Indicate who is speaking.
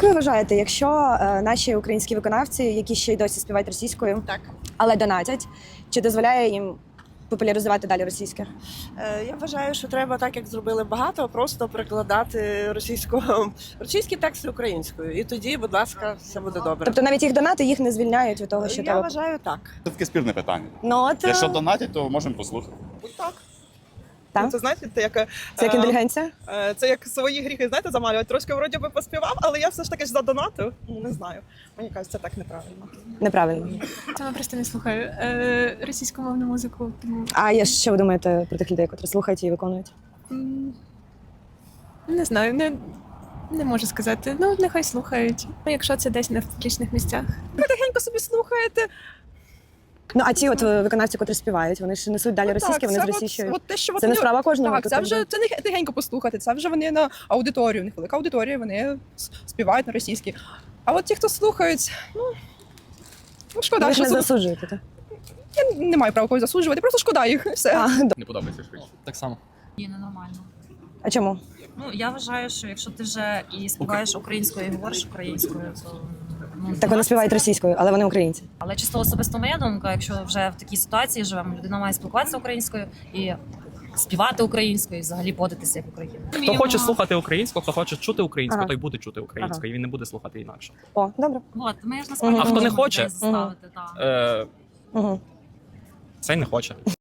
Speaker 1: ви вважаєте, якщо наші українські виконавці, які ще й досі співають російською,
Speaker 2: Так.
Speaker 1: але донатять, чи дозволяє їм популяризувати далі російське?
Speaker 2: Я вважаю, що треба, так як зробили багато, просто перекладати російські тексти українською. І тоді, будь ласка, все буде добре.
Speaker 1: Тобто навіть їх донати їх не звільняють від того, що
Speaker 2: Я
Speaker 1: треба.
Speaker 2: вважаю так.
Speaker 3: Це таке спірне питання.
Speaker 1: Ну, от,
Speaker 3: Якщо донатять, то можемо послухати.
Speaker 2: Так.
Speaker 1: Так?
Speaker 4: Ну, це знаєте, це як,
Speaker 1: Це як інтелігенція?
Speaker 4: це як свої гріхи, знаєте, замалювати. Трошки вроді би поспівав, але я все ж таки ж задонатив. Ну, не знаю. Мені кажуть, це так неправильно.
Speaker 1: Неправильно.
Speaker 5: Саме просто не слухаю російськомовну музику. Тому
Speaker 1: А що ви думаєте про тих людей, котрі слухають і виконують?
Speaker 5: не знаю, не можу сказати. Ну, нехай слухають. Ну, якщо це десь не в публічних місцях.
Speaker 4: Тихенько собі слухаєте.
Speaker 1: Ну, а ті от виконавці, котрі співають, вони ж несуть далі російське, вони
Speaker 4: це
Speaker 1: зросійщують.
Speaker 4: от те, що
Speaker 1: Це не справа кожного.
Speaker 4: Так,
Speaker 1: тут
Speaker 4: це
Speaker 1: якби.
Speaker 4: вже це не тихенько послухати, це вже вони на аудиторію, у них велика аудиторія, вони співають на російській. А от ті, хто слухають, ну шкода,
Speaker 1: Ви ж
Speaker 4: що
Speaker 1: не засуджуєте, так?
Speaker 4: я не маю права когось засуджувати, просто шкода їх. Все.
Speaker 6: Не подобається швидше. Так само.
Speaker 7: Ні, ненормально.
Speaker 1: А чому?
Speaker 7: Ну, я вважаю, що якщо ти вже і співаєш українською, і говориш українською, то... Ну,
Speaker 1: Так вони співають російською, але вони українці.
Speaker 7: Але чисто особисто моя думка, якщо вже в такій ситуації живемо, людина має спілкуватися українською і співати українською, і взагалі поводитися як Україна.
Speaker 6: Хто хоче слухати українську, хто хоче чути українську,
Speaker 1: Ага.
Speaker 6: той буде чути українською, і він не буде слухати інакше.
Speaker 1: О, добре.
Speaker 7: От, ми ж насправді
Speaker 1: А хто
Speaker 6: не
Speaker 7: можемо
Speaker 6: хоче?
Speaker 7: людей заставити, так.
Speaker 6: Е,
Speaker 1: Угу.
Speaker 6: Цей не хоче.